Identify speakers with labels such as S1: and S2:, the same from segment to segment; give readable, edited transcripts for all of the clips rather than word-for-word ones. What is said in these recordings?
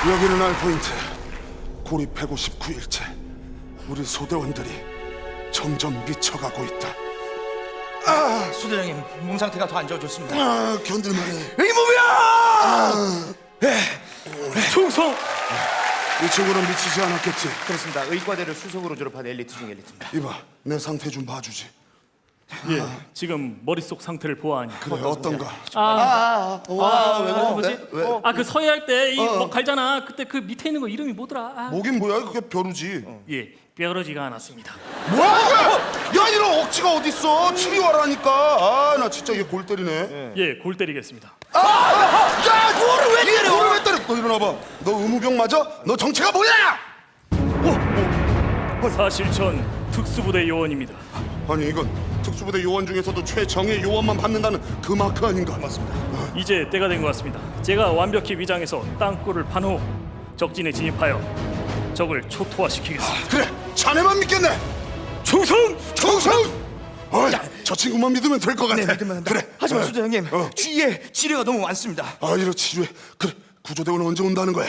S1: 여기는 알포인트. 고립 159일째. 우리 소대원들이 점점 미쳐가고 있다.
S2: 소대장님 몸 상태가 더 안 좋아졌습니다.
S1: 견딜만해.
S2: 의무병!
S3: 충성!
S1: 이 친구는 미치지 않았겠지?
S2: 그렇습니다. 의과대를 수석으로 졸업한 엘리트 중 엘리트입니다.
S1: 이봐, 내 상태 좀 봐주지.
S3: 예, 지금 머릿속 상태를 보아하니.
S1: 그래, 어떤가?
S2: 왜
S3: 뭐지?
S2: 왜?
S3: 그 서해할 때 이 뭐 갈잖아. 그때 그 밑에 있는 거 이름이 뭐더라?
S1: 뭐긴 뭐야, 그게 벼루지.
S3: 예, 뼈러지가 않았습니다.
S1: 뭐야? 야, 이런 억지가 어딨어? 치료하라니까. 나 진짜 얘 골 때리네.
S3: 예, 골 때리겠습니다.
S1: 야, 너를 왜 때려? 너를 왜 때려? 너 일어나봐. 너 의무병 맞아? 너 정체가 뭐야?
S3: 사실 전 특수부대 요원입니다.
S1: 아니, 이건 특수부대 요원 중에서도 최정예 요원만 받는다는 그 마크 아닌가? 맞습니다.
S3: 이제 때가 된 것 같습니다. 제가 완벽히 위장해서 땅굴을 판 후 적진에 진입하여 적을 초토화시키겠습니다.
S1: 그래, 자네만 믿겠네.
S3: 충성!
S1: 충성! 저 친구만 믿으면 될 것 같아.
S2: 네, 믿으면 한다.
S1: 그래.
S2: 하지만 소대장님 주위에 지뢰가 너무 많습니다.
S1: 이런 치료해. 그래, 구조대원은 언제 온다는 거야?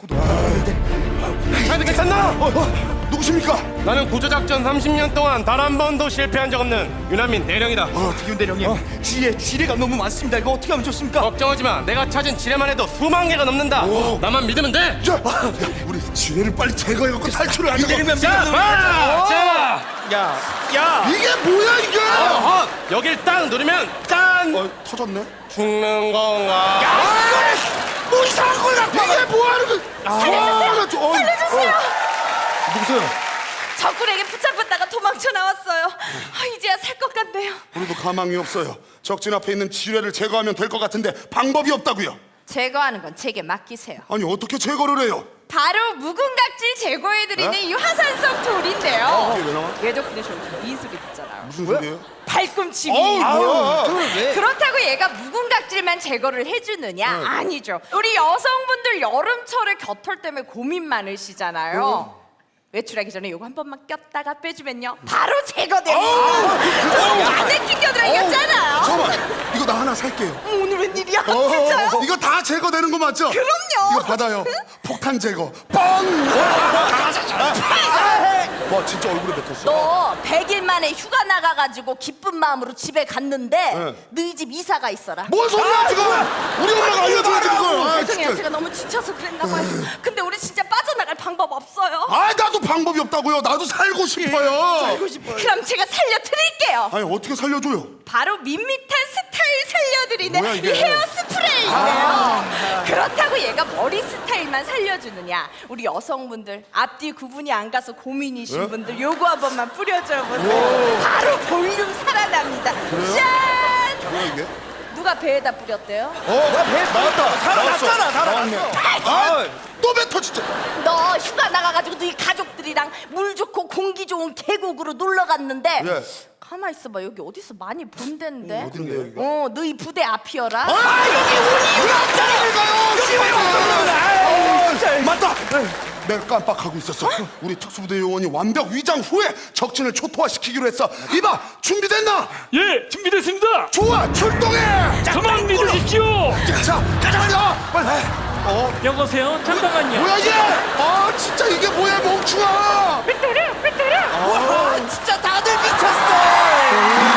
S4: 잘 듣겠었나?
S1: 누구십니까?
S4: 나는 구조작전 30년 동안 단 한 번도 실패한 적 없는 유난민 대령이다.
S2: 윤 대령님 주위에 지뢰가 너무 많습니다. 이거 어떻게 하면 좋습니까?
S4: 걱정하지 마. 내가 찾은 지뢰만 해도 수만 개가 넘는다. 나만 믿으면 돼.
S1: 야, 우리 지뢰를 빨리 제거해갖고 탈출을 하자.
S4: 자, 봐! 자,
S2: 야
S1: 이게 뭐야 이게?
S4: 여길 딱 누르면 짠!
S1: 터졌네.
S4: 죽는 건가?
S1: 뭐 이상한 걸 갖고 이게 뭐하는 거? 살려주세요.
S5: 살려주세요.
S1: 누구세요?
S5: 적군에게 붙잡혔다가 도망쳐 나왔어요. 이제야 살 것 같네요.
S1: 우리도 가망이 없어요. 적진 앞에 있는 지뢰를 제거하면 될 것 같은데 방법이 없다고요.
S5: 제거하는 건 제게 맡기세요.
S1: 아니, 어떻게 제거를 해요?
S5: 바로 묵은각질 제거해드리는 이 화산성 돌인데요.
S1: 이게 왜 나와?
S5: 얘 덕분에 저희 미술이 됐잖아요.
S1: 무슨 소리예요?
S5: 발꿈치미.
S1: 뭐야?
S5: 그렇다고 얘가 묵은각질만 제거를 해주느냐? 아니죠. 우리 여성분들 여름철에 겨털 때문에 고민 많으시잖아요. 외출하기 전에 요거 한 번만 꼈다가 빼주면요 바로 제거됩니다. 안에 낑겨들어 이겼잖아요.
S1: 잠깐만, 이거 나 하나 살게요.
S5: 오늘 웬일이야? 진짜요?
S1: 이거 다 제거되는 거 맞죠?
S5: 그럼요.
S1: 이거 받아요. 폭탄 제거. 뻥! 와, 진짜 얼굴에 뱉었어.
S5: 너 100일 만에 휴가 나가가지고 기쁜 마음으로 집에 갔는데 너희 집 이사가 있어라.
S1: 뭔 소리야 지금? 우리 엄마가 알려줘야지 그걸.
S5: 죄송해요.
S1: 진짜.
S5: 제가 너무 지쳐서 그랬나 봐요. 근데 우리 진짜 빠져나갈 방법 없어요.
S1: 나도 방법이 없다고요. 나도 살고 싶어요.
S5: 그럼 제가 살려드릴게요.
S1: 아니, 어떻게 살려줘요?
S5: 바로 밋밋한 스타일 살려드리는
S1: 뭐야, 이게?
S5: 이 헤어 스프레이예요. 그렇다고 얘가 머리 스타일만 살려주느냐? 우리 여성분들 앞뒤 구분이 안 가서 고민이신 분들 요거 한 번만 뿌려줘 보세요. 바로 볼륨 살아납니다. 짠!
S1: 뭐야 이게?
S5: 누가 배에다 뿌렸대요?
S1: 나왔다.
S2: 살아났잖아. 살아났어.
S1: 또 뱉어 진짜.
S5: 너 휴가 나가가지고 너희 가족들이랑 물 좋고 공기 좋은 계곡으로 놀러 갔는데
S1: 예.
S5: 가만 있어봐. 여기 어디서 많이 본 데인데?
S1: 어딘데요, 여기가?
S5: 너희 부대 앞이어라.
S1: 맞다. 내가 깜빡하고 있었어. 우리 특수부대 요원이 완벽 위장 후에 적진을 초토화시키기로 했어. 이봐, 준비됐나?
S3: 예, 준비됐습니다.
S1: 좋아, 출동해.
S3: 저만 믿으십시오.
S1: 자, 가자. 빨리.
S3: 여보세요. 잠깐만요.
S1: 뭐야 이게? 진짜 이게 뭐야, 멍충아.
S5: 와, 진짜 다들 미쳤어.